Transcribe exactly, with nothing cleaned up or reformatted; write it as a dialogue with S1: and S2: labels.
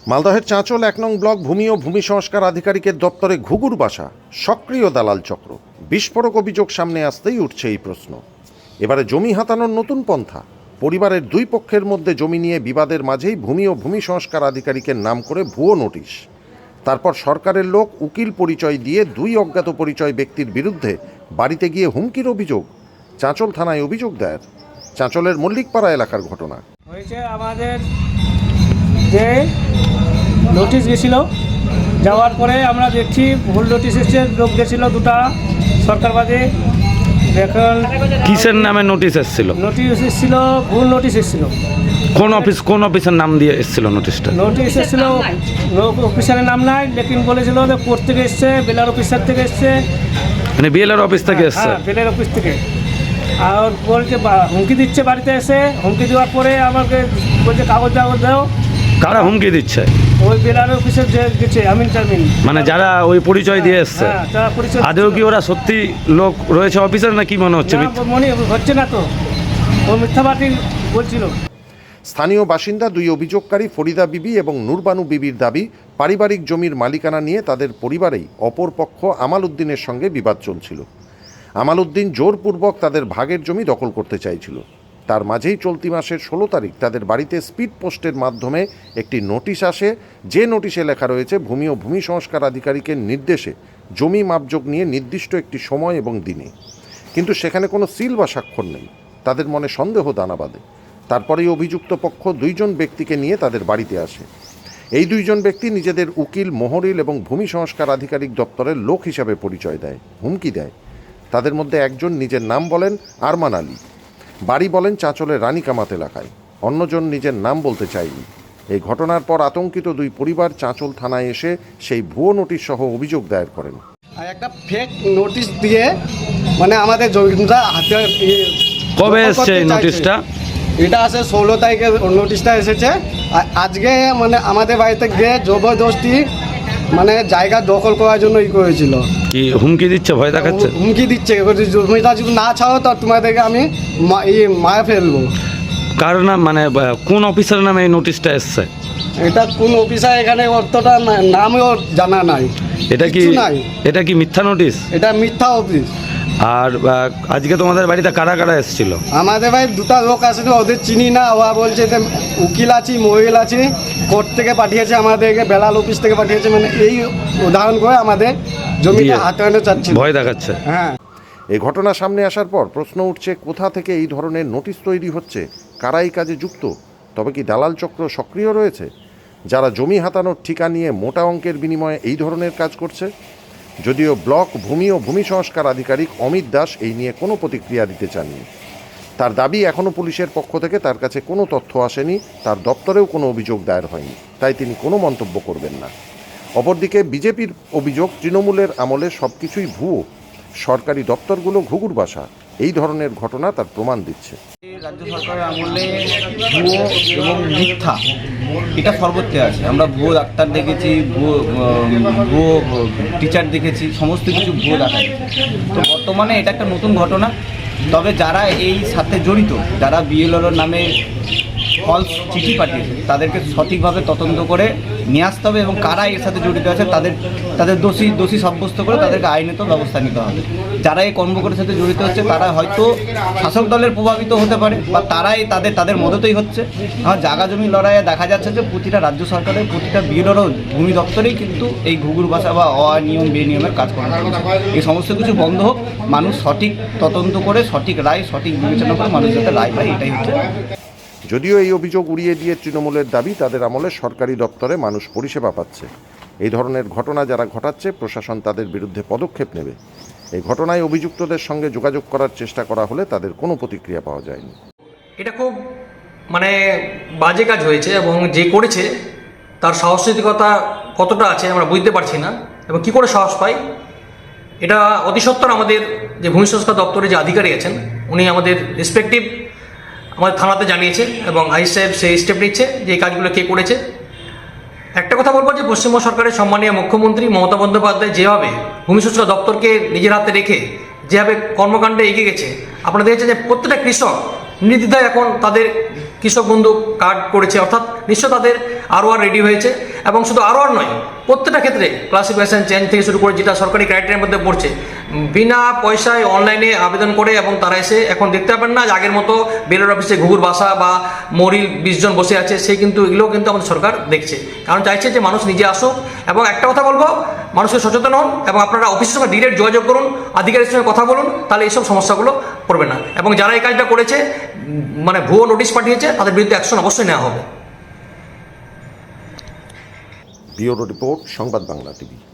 S1: মালদহের চাঁচল এক নং ব্লক ভূমি ও ভূমি সংস্কার আধিকারিকের দপ্তরে ঘুঘুর বাসা, সক্রিয় দালাল চক্র। বিস্ফোরক অভিযোগ সামনে আসতেই উঠছে এই প্রশ্ন। এবারে জমি হাতানোর নতুন পন্থা। পরিবারের দুই পক্ষের মধ্যে জমি নিয়ে বিবাদের মাঝেই ভূমি ও ভূমি সংস্কার আধিকারিকের নাম করে ভুয়ো নোটিশ। তারপর সরকারের লোক উকিল পরিচয় দিয়ে দুই অজ্ঞাত পরিচয় ব্যক্তির বিরুদ্ধে বাড়িতে গিয়ে হুমকির অভিযোগ। চাঁচল থানায় অভিযোগ দায়ের। চাঁচলের মল্লিকপাড়া এলাকার ঘটনা
S2: হয়েছে। আমাদের যে নোটিশ গেছিলো, যাওয়ার পরে আমরা দেখছি ভুল নোটিশ এসছে, লোক গেছিলো দুটা সরকারবাদে। এখন
S3: কিসের নামে নোটিশ এসেছিল?
S2: নোটিশ এসেছিল, ভুল নোটিশ এসেছিল।
S3: কোন অফিস কোন অফিসের নাম দিয়ে এসেছিল নোটিশটা?
S2: নোটিশ এসেছিল, অফিসারের নাম নাই, লেকিন বলেছিল যে কোর্ট থেকে এসছে, বেলার অফিসার থেকে এসছে,
S3: মানে বিএলআর অফিস থেকে এসছে।
S2: হ্যাঁ, বেলার অফিস থেকে। আর বলছে হুমকি দিচ্ছে বাড়িতে এসে। হুমকি দেওয়ার পরে আমাকে বলছে কাগজ কাগজ দাও।
S3: কারা হুমকি দিচ্ছে?
S2: ওই বেলার অফিসের যে গেছে আমিন টামিন,
S3: মানে যারা ওই পরিচয় দিয়ে এসছে।
S2: হ্যাঁ, তারা পরিচয়।
S3: আদেও কি ওরা সত্যি লোক রয়েছে অফিসার, না কি মনে হচ্ছে?
S2: না, মনে হচ্ছে না তো, ও মিথ্যাবাদী বলছিল।
S1: স্থানীয় বাসিন্দা দুই অভিযোগকারী ফরিদা বিবি এবং নূরবানু বিবির দাবি, পারিবারিক জমির মালিকানা নিয়ে তাদের পরিবারেই অপর পক্ষ আমাল উদ্দিনের সঙ্গে বিবাদ চলছিল। আমাল উদ্দিন জোরপূর্বক তাদের ভাগের জমি দখল করতে চাইছিল। তার মাঝেই চলতি মাসের ষোলো তারিখ তাদের বাড়িতে স্পিড পোস্টের মাধ্যমে একটি নোটিশ আসে, যে নোটিশে লেখা রয়েছে ভূমি ও ভূমি সংস্কার আধিকারিকের নির্দেশে জমি মাপযোগ নিয়ে নির্দিষ্ট একটি সময় এবং দিনে। কিন্তু সেখানে কোনো সিল বা স্বাক্ষর নেই। তাদের মনে সন্দেহ দানা বাঁধে। তারপরেই অভিযুক্ত পক্ষ দুইজন ব্যক্তিকে নিয়ে তাদের বাড়িতে আসে। এই দুইজন ব্যক্তি নিজেদের উকিল, মোহরিল এবং ভূমি সংস্কার আধিকারিক দপ্তরের লোক হিসাবে পরিচয় দেয়, হুমকি দেয়। তাদের মধ্যে একজন নিজের নাম বলেন আরমান আলী, বাড়ি বলেন চাঁচলের রানীকামাত এলাকায়। অন্যজন নিজের নাম বলতে চায়নি। এই ঘটনার পর আতঙ্কিত দুই পরিবার চাঁচল থানায় এসে সেই ভুয়ো নোটিশ সহ অভিযোগ দায়ের করেন।
S4: আর একটা ফেক নোটিশ দিয়ে মানে আমাদের জমিটা হাতে।
S3: কবে এসছে এই নোটিশটা?
S4: এটা আসে ষোলো তারিখে নোটিশটা এসেছে। আর আজকে মানে আমাদের বাড়িতে গিয়ে জবরদস্তি মানে জায়গা দখল করার জন্য ই করেছিল।
S3: কি হুমকি দিচ্ছে, ভয় দেখাচ্ছে?
S4: হুমকি দিচ্ছে, জমিটা যদি না ছাড়ো তো তোমাদেরকে আমি মারা ফেলবো।
S3: কার নাম, মানে কোন অফিসারের নামে এই নোটিশটা এসছে?
S4: এটা কোন অফিসার এখানে অতটা নামও জানা নাই।
S3: এটা কি
S4: নাই,
S3: এটা কি মিথ্যা নোটিশ?
S4: এটা মিথ্যা অফিস।
S3: আর আজকে তোমাদের বাড়িতে কারা কারা এসেছিল?
S4: আমাদের ভাই দুটা লোক আসলে, ওদের চিনি না। ওরা বলছে যে উকিল আছি, মহিলা আছি, কোর্ট থেকে পাঠিয়েছে আমাদেরকে, বেলাল অফিস থেকে পাঠিয়েছে। মানে এই উদাহরণ করে আমাদের জমিটা হাতে আনতে চাচ্ছে,
S3: ভয় দেখাচ্ছে।
S4: হ্যাঁ।
S1: এই ঘটনা সামনে আসার পর প্রশ্ন উঠছে, কোথা থেকে এই ধরনের নোটিশ তৈরি হচ্ছে, কারা এই কাজে যুক্ত? তবে কি দালাল চক্র সক্রিয় রয়েছে, যারা জমি হাতানোর ঠিকা নিয়ে মোটা অঙ্কের বিনিময়ে এই ধরনের কাজ করছে? যদিও ব্লক ভূমি ও ভূমি সংস্কার আধিকারিক অমিত দাস এই নিয়ে কোনো প্রতিক্রিয়া দিতে চাননি। তার দাবি, এখনও পুলিশের পক্ষ থেকে তার কাছে কোনো তথ্য আসেনি, তার দপ্তরেও কোনো অভিযোগ দায়ের হয়নি, তাই তিনি কোনো মন্তব্য করবেন না। অপরদিকে বিজেপির অভিযোগ, তৃণমূলের আমলে সব কিছুই ভুয়ো, সরকারি দপ্তরগুলো ঘুঘুর বাসা। এই ধরনের ঘটনা তার প্রমাণ দিচ্ছে।
S5: রাজ্য সরকারের আমলে ভুয়ো এবং মিথ্যা এটা সর্বত্রে আছে। আমরা ভুয়ো ডাক্তার দেখেছি, ভুয়ো ভুয়ো টিচার দেখেছি, সমস্ত কিছু ভুয়ো দেখা যাচ্ছে। তো বর্তমানে এটা একটা নতুন ঘটনা। তবে যারা এই সাথে জড়িত, যারা বিএলওর নামে ফলস চিঠি পাঠিয়েছে, তাদেরকে সঠিকভাবে তদন্ত করে নিয়ে আসতে হবে এবং কারা এর সাথে জড়িত আছে তাদের তাদের দোষী দোষী সাব্যস্ত করে তাদেরকে আইনত ব্যবস্থা নিতে হবে। যারা এই কর্মকর্তার সাথে জড়িত হচ্ছে তারা হয়তো শাসক দলের প্রভাবিত হতে পারে, বা তারাই তাদের তাদের মদতেই হচ্ছে। আমার জায়গা জমি লড়াইয়ে দেখা যাচ্ছে যে প্রতিটা রাজ্য সরকারের প্রতিটা বিএলওর ভূমি দপ্তরেই কিন্তু এই ঘুঘুর বাসা বা অনিয়ম বেনিয়মের কাজ করা হচ্ছে। এই সমস্ত কিছু বন্ধ হোক, মানুষ সঠিক তদন্ত করে সঠিক রায় সঠিক বিবেচনা করে মানুষ যাতে রায় পায়, এটাই হচ্ছে।
S1: যদিও এই অভিযোগ উড়িয়ে দিয়ে তৃণমূলের দাবি, তাদের আমলে সরকারি দপ্তরে মানুষ পরিষেবা পাচ্ছে। এই ধরনের ঘটনা যারা ঘটাচ্ছে, প্রশাসন তাদের বিরুদ্ধে পদক্ষেপ নেবে। এই ঘটনায় অভিযুক্তদের সঙ্গে যোগাযোগ করার চেষ্টা করা হলে তাদের কোনো প্রতিক্রিয়া পাওয়া যায়নি।
S6: এটা খুব মানে বাজে কাজ হয়েছে, এবং যে করেছে তার সাহসিকতা কতটা আছে আমরা বুঝতে পারছি না, এবং কী করে সাহস পাই। এটা অতি সত্বর আমাদের যে ভূমি সংস্কার দপ্তরে যে আধিকারিক আছেন, উনি আমাদের রেসপেক্টিভ আমাদের থানাতে জানিয়েছে, এবং আই সাহেব সেই স্টেপ নিচ্ছে যে এই কাজগুলো কে করেছে। একটা কথা বলবো যে পশ্চিমবঙ্গ সরকারের সম্মানীয় মুখ্যমন্ত্রী মমতা বন্দ্যোপাধ্যায় যেভাবে ভূমি সংস্কার দপ্তরকে নিজের হাতে রেখে যেভাবে কর্মকাণ্ডে এগিয়ে গেছে, আপনারা দেখেছেন যে প্রত্যেকটা কৃষক নির্দ্বিধায় এখন তাদের কৃষক বন্ধু কার্ড করেছে, অর্থাৎ নিশ্চয় তাদের আরও আর রেডি হয়েছে এবং শুধু আরও আর নয়, প্রত্যেকটা ক্ষেত্রে ক্লাসিফিকেশন চেঞ্জ থেকে শুরু করে যেটা সরকারি ক্রাইটেরিয়ার মধ্যে পড়ছে, বিনা পয়সায় অনলাইনে আবেদন করে এবং তারা এসে এখন দেখতে পাবেন না যে আগের মতো বেলোর অফিসে ঘুঘুর বাসা বা মরিল বিশ জন বসে আছে, সেই কিন্তু এগুলো কিন্তু আমাদের সরকার দেখছে, কারণ চাইছে যে মানুষ নিজে আসুক। এবং একটা কথা বলবো, মানুষকে সচেতন হন এবং আপনারা অফিসের সঙ্গে ডিরেক্ট যোগাযোগ করুন, আধিকারিকের সঙ্গে কথা বলুন, তাহলে এইসব সমস্যাগুলো পড়বে না। এবং যারা এই কাজটা করেছে, মানে ভুয়ো নোটিশ পাঠিয়েছে, তাদের বিরুদ্ধে অ্যাকশন অবশ্যই নেওয়া হবে।
S1: ব্যুরো রিপোর্ট, সংবাদ বাংলা টিভি।